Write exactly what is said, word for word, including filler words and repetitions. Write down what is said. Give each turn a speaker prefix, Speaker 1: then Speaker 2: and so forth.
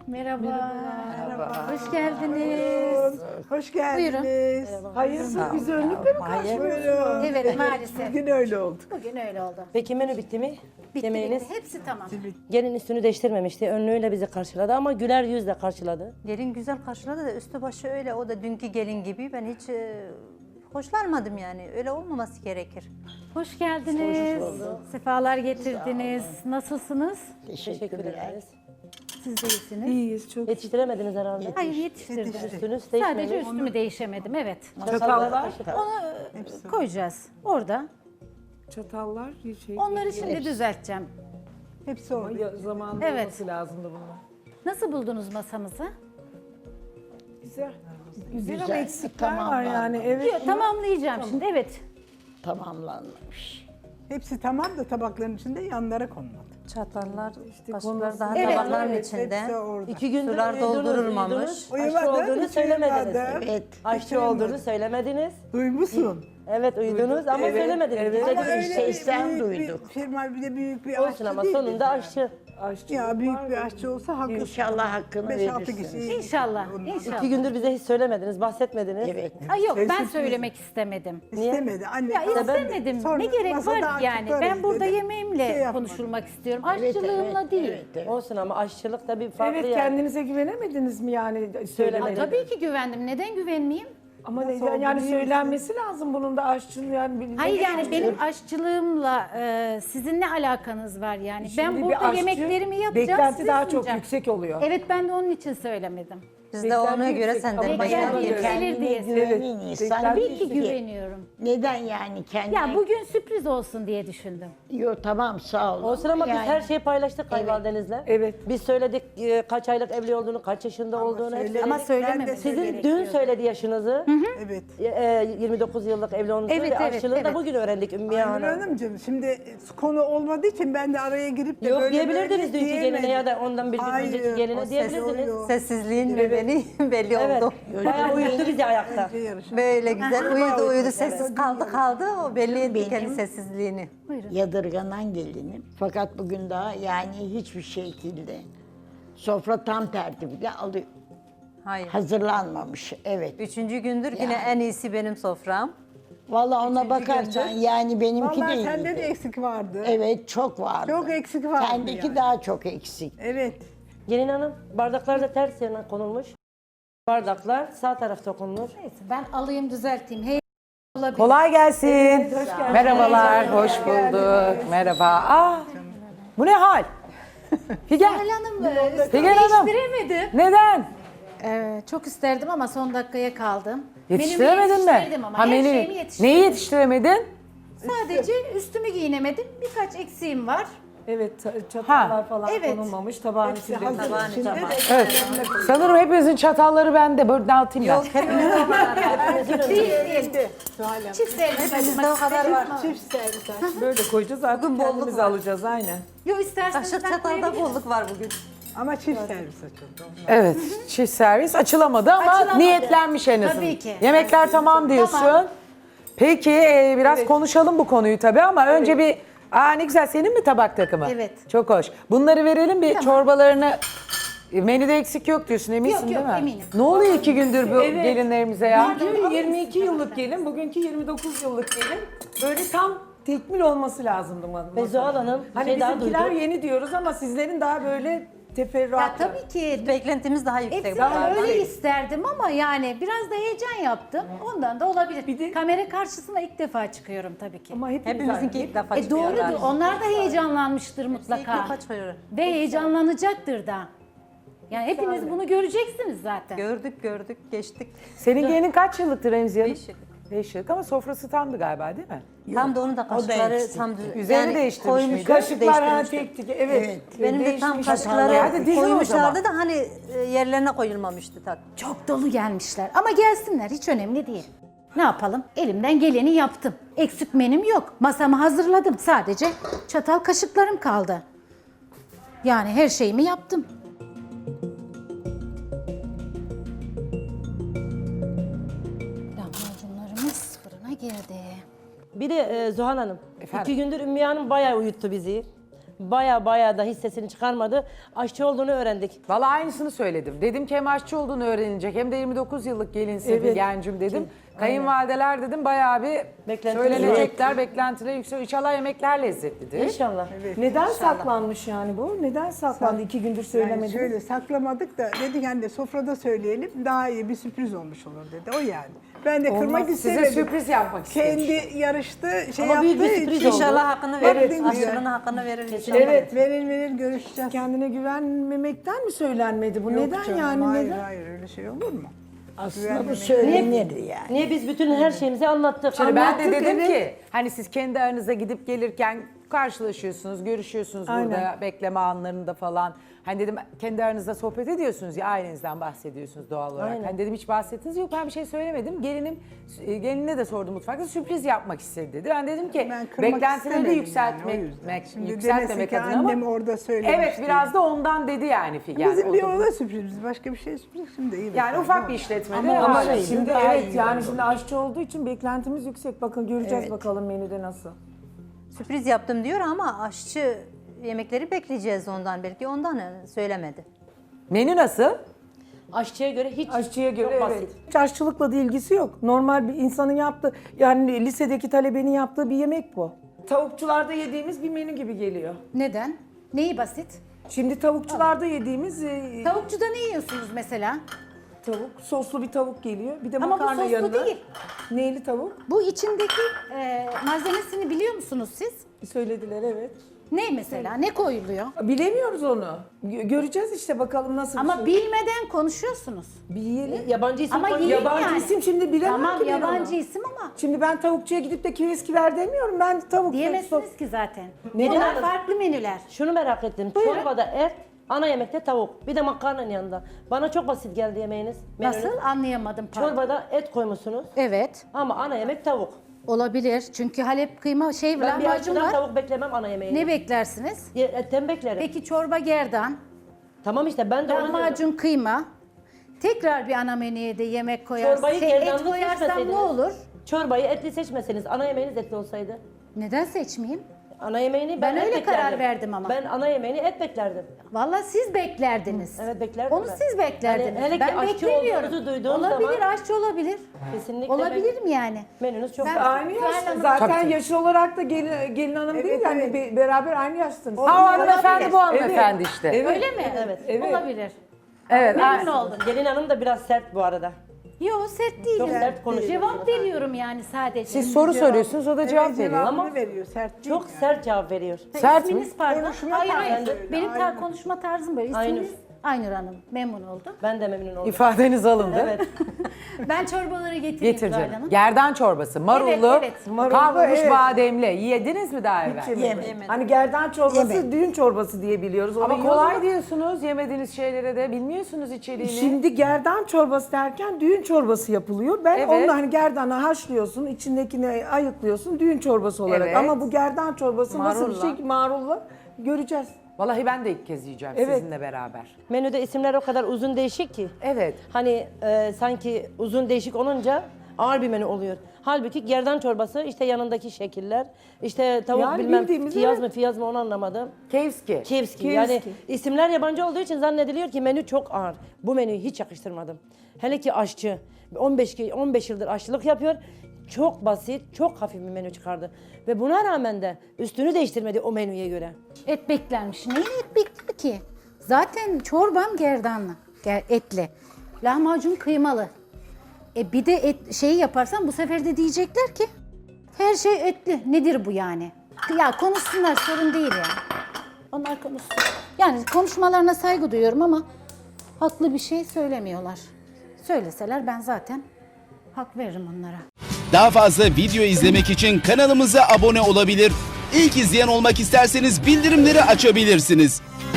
Speaker 1: Merhaba. Merhaba. Hoş geldiniz.
Speaker 2: Hoş geldiniz.
Speaker 3: Hayırsız bizi önlükle mi karşılıyorsunuz?
Speaker 1: Evet, maalesef.
Speaker 2: Bugün öyle oldu.
Speaker 1: Bugün öyle oldu.
Speaker 4: Peki menü bitti mi?
Speaker 1: Bitti,
Speaker 4: Yemeğiniz?
Speaker 1: bitti. Hepsi tamam.
Speaker 4: Gelin üstünü değiştirmemişti. Önlüğüyle bizi karşıladı ama güler yüzle karşıladı.
Speaker 5: Gelin güzel karşıladı da üstü başı öyle. O da dünkü gelin gibi. Ben hiç e, hoşlanmadım yani. Öyle olmaması gerekir.
Speaker 1: Hoş geldiniz. Sefalar getirdiniz. Nasılsınız?
Speaker 4: Teşekkür ederiz.
Speaker 1: Siz de iyisiniz.
Speaker 3: İyiyiz çok.
Speaker 4: Yetiştiremediniz herhalde.
Speaker 1: Hayır, yetiştirdim.
Speaker 4: Üstünüz
Speaker 1: Sadece
Speaker 4: değişmemiş.
Speaker 1: üstümü değişemedim, evet.
Speaker 3: Çatallar,
Speaker 1: Onu e, koyacağız orada.
Speaker 3: çatallar şey.
Speaker 1: Onları şimdi düzelteceğim.
Speaker 2: Hepsi orada.
Speaker 3: Ya, zamanında
Speaker 1: Evet.
Speaker 3: olması lazımdı bunlar.
Speaker 1: Nasıl buldunuz masamızı?
Speaker 3: Güzel. Güzel, ama eksikler var yani. Evet.
Speaker 1: Yok, tamamlayacağım şimdi, evet.
Speaker 6: Tamamlanmış.
Speaker 2: Hepsi tamam da tabakların içinde yanlara konmadı.
Speaker 5: Çatallar, kaşıklar
Speaker 3: konması-
Speaker 5: daha
Speaker 1: Evet,
Speaker 5: tabakların
Speaker 2: evet,
Speaker 5: içinde.
Speaker 2: hepsi orada.
Speaker 4: İki gündür
Speaker 5: Sular
Speaker 4: uyudunuz,
Speaker 5: doldurulmamış.
Speaker 4: uyudunuz. Aşçı
Speaker 2: Uyumadım,
Speaker 4: olduğunu
Speaker 2: hiç
Speaker 4: söylemediniz.
Speaker 2: uyumadım.
Speaker 6: Evet.
Speaker 4: Aşçı olduğunu söylemediniz.
Speaker 2: Duymuşsun.
Speaker 4: Evet uyudunuz ama
Speaker 2: Evet,
Speaker 4: söylemediniz.
Speaker 3: evet.
Speaker 4: Bize
Speaker 2: Ama
Speaker 4: de-
Speaker 2: öyle
Speaker 6: şeysten
Speaker 2: bir, büyük
Speaker 6: duyduk.
Speaker 2: bir firma, bir de büyük bir
Speaker 4: Olsun
Speaker 2: aşçı
Speaker 4: ama
Speaker 2: değil
Speaker 4: sonunda
Speaker 2: yani.
Speaker 4: aşçı.
Speaker 3: Aşçı
Speaker 2: Ya büyük
Speaker 3: var
Speaker 2: bir
Speaker 3: mı?
Speaker 2: aşçı olsa hakkı.
Speaker 6: İnşallah hakkını
Speaker 2: beş altı
Speaker 6: verirsiniz.
Speaker 2: kişi.
Speaker 1: İnşallah,
Speaker 2: Ondan.
Speaker 1: inşallah.
Speaker 4: İki gündür bize hiç söylemediniz, bahsetmediniz.
Speaker 6: Evet.
Speaker 1: Ay yok, ben
Speaker 2: Sessiz
Speaker 1: söylemek istemedim.
Speaker 2: İstemedi. Anne
Speaker 1: Ya
Speaker 2: kaldı.
Speaker 1: istemedim.
Speaker 2: Sonra
Speaker 1: Ne gerek
Speaker 2: masada
Speaker 1: var ki yani?
Speaker 2: açıklarız
Speaker 1: Ben burada
Speaker 2: dedi.
Speaker 1: yemeğimle
Speaker 2: Şey yapmadı.
Speaker 1: konuşulmak istiyorum.
Speaker 6: Evet,
Speaker 1: Aşçılığımla
Speaker 6: evet,
Speaker 1: değil.
Speaker 6: evet, evet.
Speaker 4: Olsun ama aşçılık da bir farklı
Speaker 3: Evet,
Speaker 4: yani.
Speaker 3: kendinize güvenemediniz mi yani
Speaker 1: Aa,
Speaker 3: söylemediniz?
Speaker 1: tabii ki güvendim. Neden güvenmeyeyim?
Speaker 3: Ama ne,
Speaker 2: Nasıl oldu
Speaker 3: yani
Speaker 2: değil
Speaker 3: söylenmesi lazım bunun da aşçının yani. bir-
Speaker 1: Hayır
Speaker 3: ne-
Speaker 1: yani benim aşçılığımla e, sizin ne alakanız var yani?
Speaker 3: Şimdi
Speaker 1: Ben
Speaker 3: bir
Speaker 1: burada
Speaker 3: aşçı,
Speaker 1: yemeklerimi yapacağım,
Speaker 3: beklenti
Speaker 1: size
Speaker 3: daha çok
Speaker 1: sunacağım.
Speaker 3: yüksek oluyor.
Speaker 1: Evet, ben de onun için söylemedim.
Speaker 5: Biz de ona
Speaker 3: Beklenti
Speaker 5: göre
Speaker 3: yüksek
Speaker 5: senden
Speaker 3: ama
Speaker 1: Beklenti
Speaker 5: başlayalım.
Speaker 1: yüksek.
Speaker 6: Kendine
Speaker 1: diye.
Speaker 6: güvenen
Speaker 3: Evet.
Speaker 6: insan
Speaker 3: Tabii
Speaker 1: Tabii ki
Speaker 6: değil ki.
Speaker 1: güveniyorum.
Speaker 6: Neden yani kendine?
Speaker 1: Ya bugün sürpriz olsun diye düşündüm.
Speaker 6: Yo, tamam sağ olun.
Speaker 4: Olsun ama
Speaker 6: Yani
Speaker 4: biz her şeyi paylaştık kayınvalidenizle.
Speaker 3: Evet.
Speaker 4: Biz söyledik e, kaç aylık evli olduğunu, kaç yaşında olduğunu. hep
Speaker 2: söyledik.
Speaker 4: söyledik.
Speaker 1: Ama
Speaker 2: Ben de
Speaker 1: söylememesi
Speaker 4: Sizin
Speaker 2: söyledim.
Speaker 4: dün söyledi yaşınızı.
Speaker 2: Evet.
Speaker 4: E, yirmi dokuz yıllık evli olduğunuzu
Speaker 1: Evet,
Speaker 4: ve
Speaker 1: evet,
Speaker 4: aşçılığı da
Speaker 1: evet.
Speaker 4: bugün öğrendik Ümmüye
Speaker 2: Aynur
Speaker 4: Hanım.
Speaker 2: Hanımcığım şimdi konu olmadığı için ben de araya girip de
Speaker 4: Yok
Speaker 2: böyle
Speaker 4: diyebilirdiniz
Speaker 2: böyle
Speaker 4: dünkü geline ya da ondan bir gün
Speaker 2: Hayır,
Speaker 4: önceki
Speaker 2: o
Speaker 4: geline
Speaker 2: ses
Speaker 4: diyebilirdiniz.
Speaker 2: oluyor.
Speaker 5: Sessizliğin ve beni belli
Speaker 4: Evet.
Speaker 5: oldu.
Speaker 4: Bayağı uyuttu bizi ayakta.
Speaker 2: Yarışma.
Speaker 5: Böyle güzel uyudu uyudu sessiz kaldı kaldı o belli etti
Speaker 6: Benim-
Speaker 5: kendi sessizliğini.
Speaker 6: Yadırganan gelinim. Fakat bugün daha yani hiçbir şekilde sofra tam tertibiyle alıyor.
Speaker 5: Hayır.
Speaker 6: Hazırlanmamış. Evet.
Speaker 5: Üçüncü gündür yine en iyisi benim sofram.
Speaker 6: Vallahi ona bakarsan yani benimki
Speaker 2: Vallahi
Speaker 6: de
Speaker 2: sende
Speaker 6: iyiydi.
Speaker 2: de eksik vardı.
Speaker 6: Evet çok vardı.
Speaker 2: Çok eksik vardı
Speaker 6: Sendeki
Speaker 2: yani.
Speaker 6: daha çok eksik.
Speaker 2: Evet.
Speaker 4: Gelin hanım bardaklar da ters yerine konulmuş. Bardaklar sağ tarafta konulur.
Speaker 1: Neyse ben alayım, düzelteyim. Hey, olabilir.
Speaker 3: Kolay gelsin. Merhabalar, hoş bulduk. Merhaba. Aa, bu ne hal? Figen,
Speaker 1: Hilal Hanım, e,
Speaker 3: Figen Hanım.
Speaker 1: değiştiremedim.
Speaker 3: Neden?
Speaker 1: Ee, çok isterdim ama son dakikaya kaldım.
Speaker 3: Yetiştiremedin
Speaker 1: Menümü
Speaker 3: mi?
Speaker 1: yetiştirdim ama her
Speaker 3: menü-
Speaker 1: şeyimi yetiştirdim.
Speaker 3: Neyi yetiştiremedin?
Speaker 1: Sadece üstümü giyinemedim. Birkaç eksiğim var.
Speaker 3: Evet, çatallar falan
Speaker 1: Evet.
Speaker 3: konulmamış, tabağın içinde.
Speaker 2: Hazır
Speaker 5: Tabağın
Speaker 2: içinde
Speaker 5: içinde.
Speaker 2: de
Speaker 3: Evet. Sanırım hepinizin çatalları bende. Böyle dağıtayım ben.
Speaker 5: Yok hepimizde o kadar.
Speaker 1: Değil, değil. Çift servis
Speaker 5: Hepimizde o kadar var.
Speaker 2: çift servis aç.
Speaker 3: Böyle koyacağız artık
Speaker 5: Bugün bolluk
Speaker 3: kendimiz
Speaker 5: var.
Speaker 3: alacağız aynen.
Speaker 1: Yok, isterseniz
Speaker 5: Kaşık
Speaker 1: ben
Speaker 5: çatalda
Speaker 1: koyabilirim.
Speaker 5: bolluk var bugün.
Speaker 2: Ama çift servis açıldı.
Speaker 3: Evet, çift servis açılamadı ama
Speaker 1: Açılamadı.
Speaker 3: niyetlenmiş en azından.
Speaker 1: Tabii ki.
Speaker 3: Yemekler tamam diyorsun.
Speaker 1: Tamam.
Speaker 3: Peki e, biraz konuşalım bu konuyu tabii ama önce bir... Aa ne güzel, senin mi tabak takımı?
Speaker 1: Evet.
Speaker 3: Çok hoş. Bunları verelim bir çorbalarını... E, Menüde eksik yok diyorsun, eminsin
Speaker 1: Yok, yok,
Speaker 3: değil mi?
Speaker 1: eminim.
Speaker 3: Ne oluyor iki gündür bu gelinlerimize ya?
Speaker 1: Pardon,
Speaker 3: yirmi iki yıllık gelin, bugünkü yirmi dokuz yıllık gelin. Böyle tam tekmil olması lazımdı. ma-
Speaker 4: Ve Zuhal Hanım bir
Speaker 3: Hani
Speaker 4: şey daha
Speaker 3: bizimkiler
Speaker 4: duydum.
Speaker 3: yeni diyoruz ama sizlerin daha böyle teferruatı.
Speaker 1: Ya tabii ki.
Speaker 5: Beklentimiz daha yüksek.
Speaker 1: Hepsini
Speaker 5: Daha-
Speaker 1: öyle isterdim ama yani biraz da heyecan yaptım. Ondan da olabilir.
Speaker 3: Bir de-
Speaker 1: Kamera karşısına ilk defa çıkıyorum tabii ki.
Speaker 3: Ama hepimiz
Speaker 5: Hepimizinki
Speaker 3: aynı.
Speaker 5: ilk defa
Speaker 1: E
Speaker 5: çıkıyor
Speaker 1: doğrudur.
Speaker 5: galiba.
Speaker 1: Onlar da heyecanlanmıştır
Speaker 5: İlk
Speaker 1: mutlaka.
Speaker 5: defa çıkıyor.
Speaker 1: Ve heyecanlanacaktır da. Yani hepiniz bunu göreceksiniz zaten.
Speaker 5: Gördük gördük geçtik.
Speaker 3: Senin gelinin kaç yıllıktır Remziye Hanım?
Speaker 5: Beş yıllık.
Speaker 3: Beş yıllık ama sofrası tamdı galiba değil mi?
Speaker 5: Tam da onun da kaşıkları
Speaker 6: eksik.
Speaker 5: tam düz.
Speaker 3: Üzerini değiştirmiş
Speaker 5: koymuş,
Speaker 3: miydi? Kaşıklar ha
Speaker 5: değiştirmişti.
Speaker 3: tek tek evet.
Speaker 6: Evet.
Speaker 5: Benim de tam
Speaker 3: Değişmiş.
Speaker 5: kaşıkları
Speaker 3: Hadi dizin o zaman.
Speaker 5: koymuşlardı da hani e, yerlerine koyulmamıştı tak.
Speaker 1: Çok dolu gelmişler ama gelsinler, hiç önemli değil. Ne yapalım? Elimden geleni yaptım. Eksik menüm yok. Masamı hazırladım. Sadece çatal kaşıklarım kaldı. Yani her şeyimi yaptım. Lahmacunlarımız fırına girdi.
Speaker 4: Bir de e, Zuhal Hanım,
Speaker 3: Efendim?
Speaker 4: iki gündür Ümmüye Hanım bayağı uyuttu bizi. Baya baya da hissesini çıkarmadı. Aşçı olduğunu öğrendik.
Speaker 3: Valla aynısını söyledim. Dedim ki hem aşçı olduğunu öğrenilecek hem de yirmi dokuz yıllık gelinsin bir
Speaker 4: Evet.
Speaker 3: gencim dedim. Kayınvalideler dedim bayağı bir
Speaker 4: Beklentiler
Speaker 3: söylenecekler, beklentiler yüksek. İnşallah yemekler lezzetlidir.
Speaker 4: İnşallah.
Speaker 7: Neden saklanmış yani bu? Neden saklandı? İki gündür
Speaker 2: Yani
Speaker 7: söylemediniz.
Speaker 2: şöyle saklamadık da dedik hani de sofrada söyleyelim daha iyi bir sürpriz olmuş olur dedi. O yani. Ben de kırmak
Speaker 3: Size
Speaker 2: istemedim.
Speaker 3: sürpriz yapmak istemiş.
Speaker 2: Kendi yarıştı şey
Speaker 4: Ama
Speaker 2: yaptığı
Speaker 4: büyük bir sürpriz
Speaker 2: için.
Speaker 4: oldu.
Speaker 5: İnşallah hakkını
Speaker 2: Evet,
Speaker 5: verir.
Speaker 2: diyor.
Speaker 5: Aşçının hakkını verir inşallah.
Speaker 2: Evet verir verir görüşeceğiz.
Speaker 7: Kendine güvenmemekten mi söylenmedi bu?
Speaker 2: Yok
Speaker 7: Neden
Speaker 2: canım,
Speaker 7: yani?
Speaker 2: hayır,
Speaker 7: Neden?
Speaker 2: Hayır öyle şey olur mu?
Speaker 6: Aslında bu söylenir yani.
Speaker 4: Niye biz bütün her şeyimizi anlattık?
Speaker 3: Şimdi ben de
Speaker 7: Anlattık,
Speaker 3: dedim
Speaker 7: evet.
Speaker 3: ki hani siz kendi aranızda gidip gelirken karşılaşıyorsunuz, görüşüyorsunuz burada
Speaker 7: Aynen.
Speaker 3: bekleme anlarında falan. Hani dedim kendi aranızda sohbet ediyorsunuz ya ailenizden bahsediyorsunuz doğal olarak.
Speaker 4: Aynen.
Speaker 3: Hani dedim hiç bahsettiniz yok ben bir şey söylemedim. Gelinim e, gelinine de sordum mutfakta sürpriz yapmak istedi dedi. Ben dedim ki
Speaker 2: Ben kırmak
Speaker 3: beklentileri de
Speaker 2: istemedim
Speaker 3: yükseltmek,
Speaker 2: yani, o yüzden. Şimdi
Speaker 3: yükseltmemek
Speaker 2: demesin ki
Speaker 3: adına
Speaker 2: annem
Speaker 3: ama.
Speaker 2: orada söylemişti.
Speaker 3: Evet biraz da ondan dedi yani Figen.
Speaker 2: Bizim
Speaker 3: O
Speaker 2: bir
Speaker 3: da-
Speaker 2: ona sürpriz, başka bir şey sürpriz şimdi iyi.
Speaker 3: Yani ufak bir işletmede
Speaker 7: Ama
Speaker 3: ama
Speaker 7: şimdi,
Speaker 3: şimdi
Speaker 7: evet
Speaker 3: evet
Speaker 7: yani şimdi aşçı olduğu için beklentimiz yüksek. Bakın göreceğiz bakalım menüde nasıl.
Speaker 5: Sürpriz yaptım diyor ama aşçı yemekleri bekleyeceğiz ondan. Belki ondan e, söylemedi.
Speaker 3: menü nasıl?
Speaker 4: Aşçıya göre hiç
Speaker 7: Aşçıya göre
Speaker 4: çok
Speaker 7: evet.
Speaker 4: basit.
Speaker 7: Hiç aşçılıkla da ilgisi yok. Normal bir insanın yaptığı, yani lisedeki talebenin yaptığı bir yemek bu. Tavukçularda yediğimiz bir menü gibi geliyor.
Speaker 1: Neden? Neyi basit?
Speaker 7: Şimdi tavukçularda yediğimiz e,
Speaker 1: Tavukçuda ne yiyorsunuz mesela?
Speaker 7: tavuk, soslu bir tavuk geliyor. Bir de
Speaker 1: Ama bu
Speaker 7: makarna
Speaker 1: soslu
Speaker 7: yanında.
Speaker 1: değil.
Speaker 7: Neyli tavuk?
Speaker 1: Bu içindeki e, malzemesini biliyor musunuz siz?
Speaker 7: Söylediler evet.
Speaker 1: Ne mesela? Ne koyuluyor?
Speaker 7: Bilemiyoruz onu. Gö- Göreceğiz işte bakalım nasıl
Speaker 1: Ama
Speaker 7: bir şey.
Speaker 1: bilmeden konuşuyorsunuz.
Speaker 7: Bir yiyelim.
Speaker 4: Yabancı isim
Speaker 1: Ama
Speaker 4: koyuyor.
Speaker 1: yiyin
Speaker 7: Yabancı
Speaker 1: yani.
Speaker 7: isim şimdi bilemem
Speaker 1: Tamam
Speaker 7: ki ben
Speaker 1: yabancı
Speaker 7: onu.
Speaker 1: isim ama
Speaker 7: Şimdi ben tavukçuya gidip de kiviskiler demiyorum. Ben tavuk
Speaker 1: diyemezsiniz ki zaten.
Speaker 7: Neden?
Speaker 1: Bunlar farklı menüler.
Speaker 4: Şunu merak ettim. Çorbada et, ana yemekte tavuk. Bir de makarnanın yanında. Bana çok basit geldi yemeğiniz. menünüz.
Speaker 1: Nasıl? Anlayamadım. pardon.
Speaker 4: Çorbada et koymuşsunuz
Speaker 1: Evet.
Speaker 4: ama ana yemek tavuk.
Speaker 1: Olabilir. Çünkü Halep kıyma şey
Speaker 4: Ben bir
Speaker 1: lahmacun
Speaker 4: aşçıdan
Speaker 1: var.
Speaker 4: tavuk beklemem ana yemeğini.
Speaker 1: Ne beklersiniz?
Speaker 4: Ye- Etten beklerim.
Speaker 1: Peki çorba gerdan,
Speaker 4: Tamam işte ben de onu diyorum.
Speaker 1: lahmacun kıyma. Tekrar bir ana menüye de yemek koyarsam,
Speaker 4: Çorbayı
Speaker 1: şey, et
Speaker 4: gerdanlı
Speaker 1: koyarsam ne
Speaker 4: seçmeseydiniz.
Speaker 1: olur?
Speaker 4: Çorbayı etli seçmeseniz ana yemeğiniz etli olsaydı.
Speaker 1: Neden seçmeyeyim?
Speaker 4: Ana yemeğini ben,
Speaker 1: Ben
Speaker 4: et
Speaker 1: öyle
Speaker 4: beklerdim.
Speaker 1: karar verdim ama.
Speaker 4: Ben ana yemeğini et beklerdim.
Speaker 1: Vallahi siz beklerdiniz.
Speaker 4: Evet, beklerdim
Speaker 1: Onu
Speaker 4: ben.
Speaker 1: siz beklerdiniz.
Speaker 4: Hani hele ki
Speaker 1: ben
Speaker 4: aşçı
Speaker 1: beklemiyorum.
Speaker 4: olduğunuzu duyduğum
Speaker 1: Olabilir,
Speaker 4: zaman-
Speaker 1: aşçı olabilir.
Speaker 4: Kesinlikle
Speaker 1: Olabilir
Speaker 4: ben-
Speaker 1: mi yani?
Speaker 4: Menünüz çok
Speaker 1: Ben-
Speaker 4: basit.
Speaker 7: Aynı yaşta.
Speaker 1: Hanım-
Speaker 7: Zaten
Speaker 3: Tabii, tabii.
Speaker 7: yaş olarak da gelin, gelin hanım değil
Speaker 2: Evet,
Speaker 7: yani
Speaker 2: evet.
Speaker 7: be- beraber aynı yaşsınız.
Speaker 3: Ha o hanımefendi bu hanımefendi
Speaker 7: Evet.
Speaker 3: işte.
Speaker 7: Evet.
Speaker 1: Öyle mi?
Speaker 4: Evet.
Speaker 7: Evet.
Speaker 1: Olabilir.
Speaker 3: Evet.
Speaker 1: Memnun
Speaker 3: ha-
Speaker 1: oldum.
Speaker 4: Gelin hanım da biraz sert bu arada.
Speaker 1: Yok sert değilim.
Speaker 4: Çok sert konuşuyorsunuz.
Speaker 1: Cevap veriyorum yani sadece.
Speaker 3: Siz soru soruyorsunuz o da cevap
Speaker 2: Evet,
Speaker 3: veriyor.
Speaker 2: cevabını
Speaker 4: Ama
Speaker 2: veriyor sert değil
Speaker 4: Çok
Speaker 2: yani.
Speaker 4: sert cevap veriyor.
Speaker 3: Sert mi?
Speaker 1: İsminiz pardon.
Speaker 2: Konuşma
Speaker 1: hayır
Speaker 2: tarzı
Speaker 1: hayır.
Speaker 2: öyle,
Speaker 1: Benim tar-
Speaker 2: Aynur.
Speaker 1: konuşma tarzım böyle.
Speaker 4: Aynur.
Speaker 1: İsminiz Aynur Hanım. Memnun oldum.
Speaker 4: Ben de memnun oldum.
Speaker 3: İfadeniz alındı.
Speaker 4: Evet.
Speaker 1: Ben çorbaları getireyim
Speaker 3: Getir
Speaker 1: Zuhal
Speaker 3: canım.
Speaker 1: Hanım.
Speaker 3: Gerdan çorbası, marullu,
Speaker 1: Evet, evet.
Speaker 3: kavrulmuş
Speaker 7: evet.
Speaker 3: bademli. Yediniz mi daha evvel?
Speaker 6: Yemedim.
Speaker 7: Hani gerdan çorbası,
Speaker 6: Yemedim.
Speaker 7: düğün çorbası diye biliyoruz. Onu
Speaker 3: Ama
Speaker 7: yiyoruz
Speaker 3: kolay
Speaker 7: ama
Speaker 3: diyorsunuz yemediğiniz şeylere de bilmiyorsunuz içeriğini.
Speaker 7: Şimdi gerdan çorbası derken düğün çorbası yapılıyor. Ben
Speaker 3: Evet.
Speaker 7: onu hani gerdanı haşlıyorsun, içindekini ayıklıyorsun düğün çorbası olarak.
Speaker 3: Evet.
Speaker 7: Ama bu gerdan çorbası nasıl bir
Speaker 3: Marulla.
Speaker 7: şey marulla göreceğiz.
Speaker 3: Vallahi ben de ilk kez yiyeceğim
Speaker 7: Evet.
Speaker 3: sizinle beraber.
Speaker 4: Menüde isimler o kadar uzun değişik ki.
Speaker 3: Evet.
Speaker 4: Hani e, sanki uzun değişik olunca ağır bir menü oluyor. Halbuki gerdan çorbası işte yanındaki şekiller, işte tavuk
Speaker 7: Yani
Speaker 4: bilmem
Speaker 7: bildiğimiz,
Speaker 4: fiyaz
Speaker 7: evet.
Speaker 4: mı fiyaz mı onu anlamadım.
Speaker 3: Kevski.
Speaker 4: Kievski. Yani
Speaker 7: Kievski.
Speaker 4: isimler yabancı olduğu için zannediliyor ki menü çok ağır. Bu menüyü hiç yakıştırmadım. Hele ki aşçı on beş ki- on beş yıldır aşçılık yapıyor. Çok basit, çok hafif bir menü çıkardı. Ve buna rağmen de üstünü değiştirmedi o menüye göre.
Speaker 1: Et beklenmiş. Neyin et bekli ki? Zaten çorbam gerdanlı. Ger etli. Lahmacun kıymalı. E bir de et şeyi yaparsam bu sefer de diyecekler ki her şey etli. Nedir bu yani? Ya konuşsunlar sorun değil yani. Onlar konuşsun. Yani konuşmalarına saygı duyuyorum ama haklı bir şey söylemiyorlar. Söyleseler ben zaten hak veririm onlara.
Speaker 8: Daha fazla video izlemek için kanalımıza abone olabilir. İlk izleyen olmak isterseniz bildirimleri açabilirsiniz.